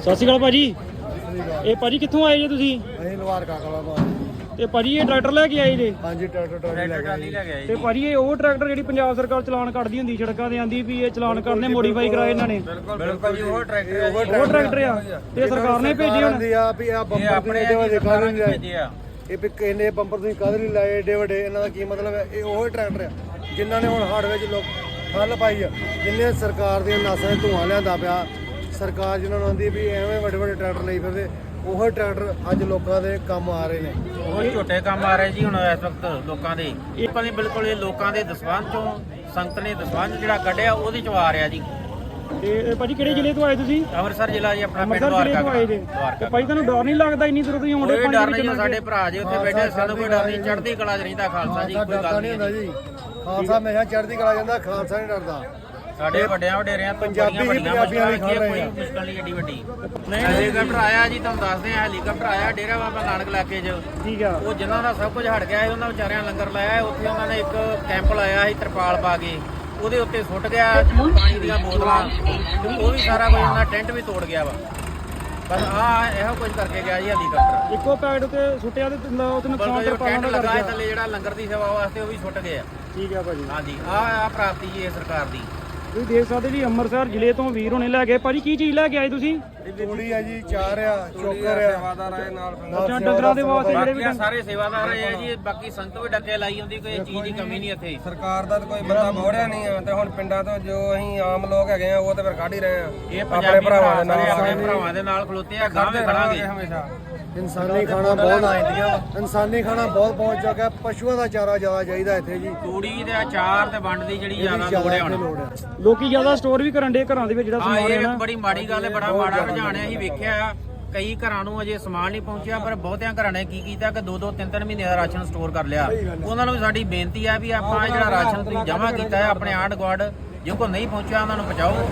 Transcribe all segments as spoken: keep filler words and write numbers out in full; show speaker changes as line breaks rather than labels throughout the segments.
ਸਤਿ ਸ਼੍ਰੀ ਅਕਾਲ ਭਾਜੀ। ਇਹ ਭਾਜੀ ਕਿੱਥੋਂ ਆਏ ਜੇ ਤੁਸੀਂ?
ਅਸੀਂ ਲਵਾਰ ਕਾਕਲਾ ਤੋਂ।
ਤੇ ਭਾਜੀ ਇਹ ਟਰੈਕਟਰ ਲੈ ਕੇ ਆਏ ਜੇ?
ਹਾਂਜੀ ਟਰੈਕਟਰ ਟਰਾਲੀ ਲੈ ਕੇ ਆਏ।
ਤੇ ਭਾਜੀ ਇਹ ਉਹ ਟਰੈਕਟਰ ਜਿਹੜੀ ਪੰਜਾਬ ਸਰਕਾਰ ਚਲਾਨ ਕੱਢਦੀ ਹੁੰਦੀ ਸੜਕਾਂ ਤੇ ਆਂਦੀ ਵੀ ਇਹ ਚਲਾਨ ਕਰਨੇ ਮੋਡੀਫਾਈ ਕਰਾਏ ਇਹਨਾਂ ਨੇ।
ਬਿਲਕੁਲ ਜੀ ਉਹ ਟਰੈਕਟਰ
ਉਹ ਟਰੈਕਟਰ ਆ ਤੇ ਸਰਕਾਰ ਨੇ ਭੇਜੇ ਹੁਣ
ਆ ਵੀ ਆ ਬੰਪਰ
ਆਪਣੇ ਸਰਕਾਰਾਂ ਨੇ ਭੇਜੇ ਆ।
ਇਹ ਵੀ ਕਿੰਨੇ ਬੰਪਰ ਤੁਸੀਂ ਕਾਹਦੇ ਲਈ ਲਾਏ ਏਡੇ ਵੱਡੇ, ਇਹਨਾਂ ਦਾ ਕੀ ਮਤਲਬ ਹੈ? ਇਹ ਉਹ ਟਰੈਕਟਰ ਆ ਜਿਨ੍ਹਾਂ ਨੇ ਹੁਣ ਹੜ ਵਿੱਚ ਲੋਕ ਫਲ ਪਾਈ ਆ, ਜਿੰਨੇ ਸਰਕਾਰ ਦੀਆਂ ਨਾਸਾਂ 'ਚ ਧੂਆਂ ਲਿਆਂਦਾ ਪਿਆ। ਸਰਕਾਰ ਜਿਨ੍ਹਾਂ ਨੂੰ ਆਂਦੀ ਵੀ ਐਵੇਂ ਵੱਡੇ ਵੱਡੇ ਟਰੈਕਟਰ ਲਈ ਫਿਰਦੇ, ਉਹ ਟਰੈਕਟਰ ਅੱਜ ਲੋਕਾਂ ਦੇ ਕੰਮ ਆ ਰਹੇ ਨੇ।
ਉਹ ਝੋਟੇ ਕੰਮ ਆ ਰਹੇ ਜੀ ਹੁਣ ਇਸ ਵਕਤ ਲੋਕਾਂ ਦੇ। ਇਹ ਕਹਿੰਦੇ ਬਿਲਕੁਲ ਇਹ ਲੋਕਾਂ ਦੇ ਦਸਵੰਧ ਚੋਂ ਸੰਗਤ ਨੇ ਦਸਵੰਧ ਜਿਹੜਾ ਕੱਢਿਆ ਉਹਦੇ ਚੋਂ ਆ ਰਿਹਾ ਜੀ।
ਤੇ ਇਹ ਭਾਜੀ ਕਿਹੜੇ ਜ਼ਿਲ੍ਹੇ ਤੋਂ ਆਏ ਤੁਸੀਂ?
ਅੰਮ੍ਰਿਤਸਰ ਜ਼ਿਲ੍ਹਾ ਜੀ ਆਪਣਾ ਪਿੰਡ
ਅੰਮ੍ਰਿਤਸਰ ਜ਼ਿਲ੍ਹੇ ਤੋਂ ਆਏ ਜੇ।
ਦਵਾਰਕਾ।
ਤੇ ਭਾਈ ਤੁਹਾਨੂੰ ਡਰ ਨਹੀਂ ਲੱਗਦਾ ਇੰਨੀ ਦੂਰੋਂ ਤੁਸੀਂ ਆਉਂਦੇ
ਕੋਈ
ਪਾਣੀ
ਡਰ
ਦੇ
ਨਹੀਂ,
ਵਿੱਚ?
ਸਾਡੇ ਭਰਾ ਜੀ ਉੱਥੇ ਬੈਠੇ, ਸਾਨੂੰ ਕੋਈ ਡਰ ਨਹੀਂ, ਚੜ੍ਹਦੀ ਕਲਾ 'ਚ ਰਹਿੰਦਾ ਖਾਲਸਾ ਜੀ, ਕੋਈ ਗੱਲ ਨਹੀਂ
ਹੁੰਦਾ ਜੀ। ਖਾਲਸਾ ਹਮੇਸ਼ਾ ਚੜ੍ਹਦੀ ਕਲਾ ਜਾਂਦਾ, ਖਾਲਸਾ ਨਹੀਂ ਡਰਦਾ।
ਸਾਡੇ ਵੱਡਿਆਂ ਵਡੇਰਿਆਂ ਤੋਂ
ਪੰਜਾਬੀ
ਬੜੀਆਂ ਵੱਡੀਆਂ
ਪੰਜਾਬੀਆਂ
ਮੁਸ਼ਕਲਾਂ
ਖਾ ਰਹੇ
ਕੋਈ
ਆ।
ਮੁਸ਼ਕਲ ਨਹੀਂ ਏਡੀ ਵੱਡੀ। ਹੈਲੀਕਾਪਟਰ ਆਇਆ ਜੀ, ਤੁਹਾਨੂੰ ਦੱਸਦੇ ਆ, ਹੈਲੀਕਾਪਟਰ ਆਇਆ ਡੇਰਾ ਬਾਬਾ ਨਾਨਕ ਇਲਾਕੇ 'ਚ।
ਠੀਕ ਆ।
ਉਹ ਜਿਨ੍ਹਾਂ ਦਾ ਸਭ ਕੁਝ ਹਟ ਗਿਆ ਸੀ ਉਹਨਾਂ ਵਿਚਾਰਿਆਂ ਲੰਗਰ ਲਾਇਆ। ਉੱਥੇ ਉਹਨਾਂ ਨੇ ਇੱਕ ਕੈਂਪ ਲਾਇਆ ਸੀ ਤਰਪਾਲ ਪਾ ਕੇ, ਉਹਦੇ ਉੱਤੇ ਸੁੱਟ ਗਿਆ ਪਾਣੀ ਦੀਆਂ ਬੋਤਲਾਂ, ਉਹ ਵੀ ਸਾਰਾ ਕੁਝ ਉਹਨਾਂ ਟੈਂਟ ਵੀ ਤੋੜ ਗਿਆ ਵਾ। ਬਸ ਆ ਇਹੋ ਕੁਝ ਕਰਕੇ ਗਿਆ ਜੀ ਹੈਲੀਕਾਪਟਰ।
ਇੱਕੋ ਪੈਡ ਉੱਤੇ ਸੁੱਟਿਆ ਤੇ ਉੱਤੇ ਨੁਕਸਾਨ
ਜੋ
ਤਰਪਾਲਾਂ
ਟੈਂਟ
ਦਾ ਕਰ
ਲਗਾਇਆ
ਗਿਆ।
ਥੱਲੇ ਜਿਹੜਾ ਲੰਗਰ ਦੀ ਸੇਵਾ ਵਾਸਤੇ ਉਹ ਵੀ ਸੁੱਟ ਗਏ ਆ।
ਠੀਕ ਆ ਭਾਜੀ।
ਹਾਂਜੀ ਆ ਆ ਪ੍ਰਾਪਤੀ ਜੀ ਇਹ ਸਰਕਾਰ ਦੀ।
ਤੁਸੀਂ ਦੇਖ ਸਕਦੇ ਜੀ ਅੰਮ੍ਰਿਤਸਰ ਜ਼ਿਲ੍ਹੇ ਤੋਂ ਵੀਰ ਹੋਣੇ ਲੈ ਗਏ। ਭਾਜੀ ਕੀ ਚੀਜ਼ ਲੈ ਕੇ ਆਏ ਤੁਸੀਂ?
ਤੂੜੀ ਆ ਜੀ, ਚਾਰ ਆ, ਚੋਕਰ ਆ,
ਸੇਵਾਦਾਰ ਆਏ ਨਾਲ
ਅੱਛਾ ਡੰਗਰਾਂ ਦੇ ਵਾਸਤੇ ਜਿਹੜੇ ਵੀ
ਬਾਕੀ ਸਾਰੇ ਸੇਵਾਦਾਰ ਆਏ ਆ ਜੀ। ਬਾਕੀ ਸੰਗਤ ਵੀ ਡੱਕੇ ਲਾਈ ਹੁੰਦੀ, ਕੋਈ ਚੀਜ਼ ਦੀ ਕਮੀ ਨਹੀਂ ਇੱਥੇ।
ਸਰਕਾਰ ਦਾ ਤਾਂ ਕੋਈ ਬੰਦਾ ਮੋੜਿਆ ਨਹੀਂ ਆ, ਤੇ ਹੁਣ ਪਿੰਡਾਂ ਤੋਂ ਜੋ ਅਸੀਂ ਆਮ ਲੋਕ ਹੈਗੇ ਆ ਉਹ ਤੇ ਫਿਰ ਕੱਢ ਹੀ ਰਹੇ ਆ।
ਇਹ ਪੰਜਾਬੀ ਭਰਾਵਾਂ ਦੇ ਨਾਲ ਆਪਣੇ ਭਰਾਵਾਂ ਦੇ ਨਾਲ ਖਲੋਤੇ ਆ, ਗਾਂ ਵੀ ਖੜਾਂਗੇ
ਹਮੇਸ਼ਾ।
ਇਨਸਾਨੀ ਖਾਣਾ ਬਹੁਤ ਇਨਸਾਨੀ ਖਾਣਾ ਬਹੁਤ ਪਹੁੰਚ ਚੁੱਕਾ। ਪਸ਼ੂਆਂ ਦਾ ਚਾਰਾ ਜ਼ਿਆਦਾ ਚਾਹੀਦਾ ਇੱਥੇ ਜੀ।
ਤੂੜੀ ਦੇ ਅਚਾਰ ਤੇ ਵੰਡ ਦੀ ਜਿਹੜੀ ਜ਼ਿਆਦਾ ਲੋੜ ਹੈ ਹੁਣ।
ਲੋਕੀ ਜ਼ਿਆਦਾ ਸਟੋਰ ਵੀ ਕਰਨ ਦੇ ਘਰਾਂ ਦੇ ਵਿੱਚ ਜਿਹੜਾ
ਹਾਂ
ਸਮਾਨ ਹੈ
ਇਹ
ਨਾ।
ਬੜੀ ਮਾੜੀ ਗੱਲ ਹੈ, ਬੜਾ ਮਾੜਾ ਰੁਝਾਨ ਹੈ। ਅਸੀਂ ਵੇਖਿਆ ਆ ਕਈ ਘਰਾਂ ਨੂੰ ਅਜੇ ਸਮਾਨ ਨਹੀਂ ਪਹੁੰਚਿਆ, ਪਰ ਬਹੁਤਿਆਂ ਘਰਾਂ ਨੇ ਕੀ ਕੀਤਾ ਕਿ ਦੋ ਦੋ ਤਿੰਨ ਤਿੰਨ ਮਹੀਨੇ ਦਾ ਰਾਸ਼ਨ ਸਟੋਰ ਕਰ ਲਿਆ। ਉਹਨਾਂ ਨੂੰ ਵੀ ਸਾਡੀ ਬੇਨਤੀ ਆ ਵੀ ਆਪਾਂ ਇਹ ਜਿਹੜਾ ਰਾਸ਼ਨ ਤੁਸੀਂ ਜਮ੍ਹਾਂ ਕੀਤਾ ਹੈ ਆਪਣੇ ਆਂਢ ਗੁਆਂਢ, ਜੇ ਕੋਈ ਨਹੀਂ ਪਹੁੰਚਿਆ ਉਹਨਾਂ ਨੂੰ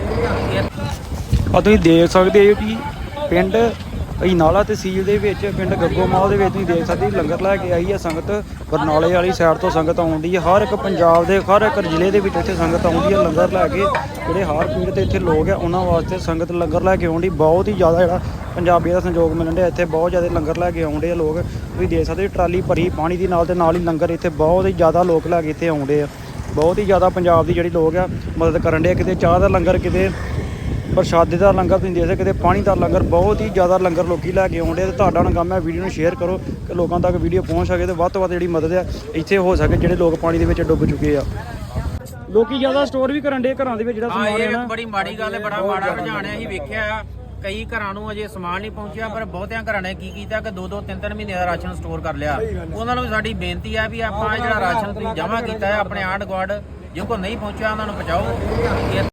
ਪਹੁੰਚਾਓ।
ਆ ਤੁਸੀਂ ਦੇਖ ਸਕਦੇ ਹੋ ਜੀ ਪਿੰਡ ਅਜਨਾਲਾ ਤਹਿਸੀਲ ਦੇ ਵਿੱਚ ਪਿੰਡ ਗੱਗੋਮਾਲ ਦੇ ਵਿੱਚ ਤੁਸੀਂ ਦੇਖ ਸਕਦੇ ਹੋ ਲੰਗਰ ਲੈ ਕੇ ਆਈ ਹੈ ਸੰਗਤ। ਬਰਨਾਲੇ ਵਾਲੀ ਸਾਈਡ ਤੋਂ ਸੰਗਤ ਆਉਂਦੀ ਹੈ, ਹਰ ਇੱਕ ਪੰਜਾਬ ਦੇ ਹਰ ਇੱਕ ਜ਼ਿਲ੍ਹੇ ਦੇ ਵਿੱਚ ਇੱਥੇ ਸੰਗਤ ਆਉਂਦੀ ਹੈ ਲੰਗਰ ਲੈ ਕੇ। ਜਿਹੜੇ ਹਾਰ ਪੀੜ ਤੇ ਇੱਥੇ ਲੋਕ ਆ ਉਹਨਾਂ ਵਾਸਤੇ ਸੰਗਤ ਲੰਗਰ ਲੈ ਕੇ ਆਉਂਦੀ। ਬਹੁਤ ਹੀ ਜ਼ਿਆਦਾ ਜਿਹੜਾ ਪੰਜਾਬੀਆਂ ਦਾ ਸੰਯੋਗ ਮਿਲਣ ਡਿਆ ਇੱਥੇ, ਬਹੁਤ ਜ਼ਿਆਦਾ ਲੰਗਰ ਲੈ ਕੇ ਆਉਂਦੇ ਆ ਲੋਕ। ਤੁਸੀਂ ਦੇਖ ਸਕਦੇ ਹੋ ਟਰਾਲੀ ਭਰੀ ਪਾਣੀ ਦੀ ਨਾਲ ਤੇ ਨਾਲ ਹੀ ਲੰਗਰ। ਇੱਥੇ ਬਹੁਤ ਹੀ ਜ਼ਿਆਦਾ ਲੋਕ ਲੈ ਕੇ ਇੱਥੇ ਆਉਂਦੇ ਆ। ਬਹੁਤ ਹੀ ਜ਼ਿਆਦਾ ਪੰਜਾਬ ਦੀ ਜਿਹੜੀ ਲੋਕ ਆ ਮਦਦ ਕਰਨ ਡੇ। ਕਿਤੇ ਚਾਹ ਦਾ ਲੰਗਰ, ਕਿਤੇ ਪ੍ਰਸ਼ਾਦੇ ਦਾ ਲੰਗਰ, ਤੁਸੀਂ ਦੇਖ ਸਕਦੇ ਕਿਤੇ ਪਾਣੀ ਦਾ ਲੰਗਰ। ਬਹੁਤ ਹੀ ਜ਼ਿਆਦਾ ਲੰਗਰ ਲੋਕੀ ਲੈ ਕੇ ਆਉਂਦੇ। ਤੇ ਤੁਹਾਡਾ ਹੁਣ ਕੰਮ ਹੈ ਵੀਡੀਓ ਨੂੰ ਸ਼ੇਅਰ ਕਰੋ ਕਿ ਲੋਕਾਂ ਤੱਕ ਵੀਡੀਓ ਪਹੁੰਚ ਸਕੇ ਤੇ ਵੱਧ ਤੋਂ ਵੱਧ ਜਿਹੜੀ ਮਦਦ ਆ ਇੱਥੇ ਹੋ ਸਕੇ ਜਿਹੜੇ ਲੋਕ ਪਾਣੀ ਦੇ ਵਿੱਚ ਡੁੱਬ ਚੁੱਕੇ ਆ। ਲੋਕੀ ਜ਼ਿਆਦਾ ਸਟੋਰ ਵੀ ਕਰਨ ਦੇ ਘਰਾਂ ਦੇ ਵਿੱਚ ਜਿਹੜਾ
ਹਾਂ
ਸਮਾਨ ਹੈ
ਇਹ
ਨਾ।
ਬੜੀ ਮਾੜੀ ਗੱਲ ਹੈ, ਬੜਾ ਮਾੜਾ ਰੁਝਾਨ ਹੈ। ਅਸੀਂ ਵੇਖਿਆ ਆ ਕਈ ਘਰਾਂ ਨੂੰ ਅਜੇ ਸਮਾਨ ਨਹੀਂ ਪਹੁੰਚਿਆ, ਪਰ ਬਹੁਤਿਆਂ ਘਰਾਂ ਨੇ ਕੀ ਕੀਤਾ ਕਿ ਦੋ ਦੋ ਤਿੰਨ ਤਿੰਨ ਮਹੀਨੇ ਦਾ ਰਾਸ਼ਨ ਸਟੋਰ ਕਰ ਲਿਆ। ਉਹਨਾਂ ਨੂੰ ਵੀ ਸਾਡੀ ਬੇਨਤੀ ਆ ਵੀ ਆਪਾਂ ਇਹ ਜਿਹੜਾ ਰਾਸ਼ਨ ਤੁਸੀਂ ਜਮ੍ਹਾਂ ਕੀਤਾ ਹੈ ਆਪਣੇ ਆਂਢ ਗੁਆਂਢ, ਜੇ ਕੋਈ ਨਹੀਂ ਪਹੁੰਚਿਆ ਉਹਨਾਂ ਨੂੰ ਪਹੁੰਚਾਓ।